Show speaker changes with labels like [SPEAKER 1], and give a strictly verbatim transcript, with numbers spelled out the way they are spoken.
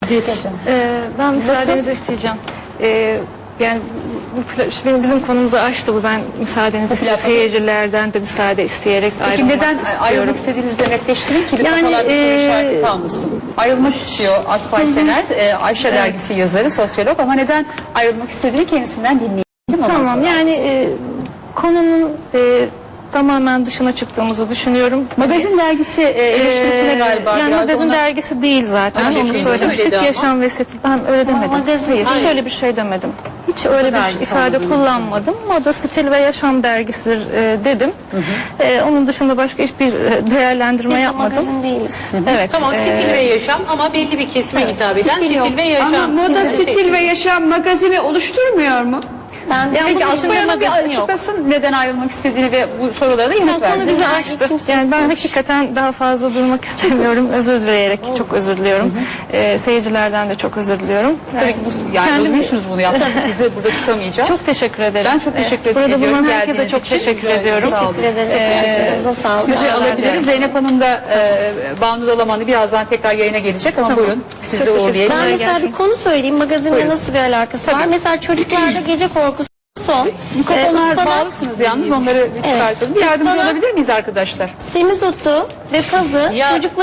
[SPEAKER 1] Ee, ben müsaadenizi isteyeceğim. Ee, yani bu, benim bizim konumuzu açtı bu. Ben müsaadenizi istiyorum. Seyircilerden de müsaade isteyerek
[SPEAKER 2] Peki
[SPEAKER 1] ayrılmak
[SPEAKER 2] neden
[SPEAKER 1] istiyorum.
[SPEAKER 2] ayrılmak istediğinizi de netleştirin ki
[SPEAKER 1] Yani,
[SPEAKER 2] kafalarda soru
[SPEAKER 1] e,
[SPEAKER 2] işareti kalmasın. Ayrılmak istiyor Aspay Sener, e, Ayşe
[SPEAKER 1] Evet.
[SPEAKER 2] dergisi yazarı, sosyolog, ama neden ayrılmak istediğini kendisinden dinleyelim. ondan
[SPEAKER 1] Tamam
[SPEAKER 2] sonra
[SPEAKER 1] yani
[SPEAKER 2] alırız.
[SPEAKER 1] e, konunun e, tamamen dışına çıktığımızı düşünüyorum.
[SPEAKER 2] Magazin dergisi e, eleştirisine
[SPEAKER 1] Ee,
[SPEAKER 2] galiba
[SPEAKER 1] yani
[SPEAKER 2] biraz
[SPEAKER 1] magazin
[SPEAKER 2] ona...
[SPEAKER 1] dergisi değil zaten.
[SPEAKER 2] Öyle
[SPEAKER 1] Onu
[SPEAKER 2] bir şey
[SPEAKER 1] söylemiştik.
[SPEAKER 2] söyledi ama.
[SPEAKER 1] Yaşam ve stil. Ben öyle demedim. Hayır, hiç öyle bir şey demedim. Hiç öyle bir
[SPEAKER 2] dergisi
[SPEAKER 1] ifade
[SPEAKER 2] olduğunu
[SPEAKER 1] kullanmadım. Moda, stil ve yaşam dergisidir e, dedim. E, onun dışında başka hiçbir e, değerlendirme
[SPEAKER 3] Biz de
[SPEAKER 1] yapmadım.
[SPEAKER 3] magazin değiliz.
[SPEAKER 1] Evet.
[SPEAKER 4] Tamam,
[SPEAKER 1] e,
[SPEAKER 4] stil ve yaşam ama belli bir kesime hitap eden
[SPEAKER 3] Stil yok.
[SPEAKER 4] stil ve yaşam.
[SPEAKER 5] Ama moda,
[SPEAKER 4] Bizim de-
[SPEAKER 5] stil ve yaşam magazini oluşturmuyor mu?
[SPEAKER 3] Ben de
[SPEAKER 1] Yani
[SPEAKER 2] Peki
[SPEAKER 1] bunun
[SPEAKER 2] Aspay
[SPEAKER 1] içinde
[SPEAKER 2] Hanım bir
[SPEAKER 1] magazin yok.
[SPEAKER 2] açıklasın neden ayrılmak istediğini ve bu sorulara da yanıt
[SPEAKER 1] Yani konu
[SPEAKER 2] versin.
[SPEAKER 1] bizi
[SPEAKER 3] Yani
[SPEAKER 1] açtı.
[SPEAKER 3] kimse
[SPEAKER 1] Yani ben
[SPEAKER 3] yapmamış.
[SPEAKER 1] hakikaten daha fazla durmak istemiyorum. Özür dileyerek çok özür diliyorum. E, seyircilerden de çok özür diliyorum.
[SPEAKER 2] Tabii ki bu, yani
[SPEAKER 1] Kendim-
[SPEAKER 2] üzgünsünüz bunu yaptık. Sizi burada tutamayacağız.
[SPEAKER 1] Çok teşekkür ederim.
[SPEAKER 2] Ben çok teşekkür
[SPEAKER 1] Ee, Burada
[SPEAKER 2] ediyorum
[SPEAKER 1] bulunan herkese
[SPEAKER 2] geldiğiniz
[SPEAKER 1] çok
[SPEAKER 2] için.
[SPEAKER 1] teşekkür
[SPEAKER 2] Evet,
[SPEAKER 1] ediyorum.
[SPEAKER 2] sağ olun.
[SPEAKER 3] teşekkür ederiz. Teşekkürlerinize sağ olun.
[SPEAKER 2] Sizi
[SPEAKER 1] Teşekkür
[SPEAKER 2] alabiliriz.
[SPEAKER 1] ederim.
[SPEAKER 2] Zeynep Hanım da e, Banu Dalaman'ı birazdan tekrar yayına gelecek ama buyurun sizi
[SPEAKER 1] Çok teşekkür
[SPEAKER 2] uğurlayalım.
[SPEAKER 3] Ben
[SPEAKER 1] Kolay
[SPEAKER 3] mesela
[SPEAKER 1] gelsin.
[SPEAKER 3] bir konu söyleyeyim. Magazinle
[SPEAKER 2] Buyurun.
[SPEAKER 3] nasıl bir alakası var? Mesela çocuklarda gece korkusu son.
[SPEAKER 2] Mikrofonlar
[SPEAKER 3] Ee, ıspanak,
[SPEAKER 2] bağlısınız yalnız onları bir çıkartalım. Bir yardımcı
[SPEAKER 3] Ispanak-
[SPEAKER 2] olabilir miyiz arkadaşlar?
[SPEAKER 3] semizotu ve pazı
[SPEAKER 4] Ya-
[SPEAKER 3] çocuklar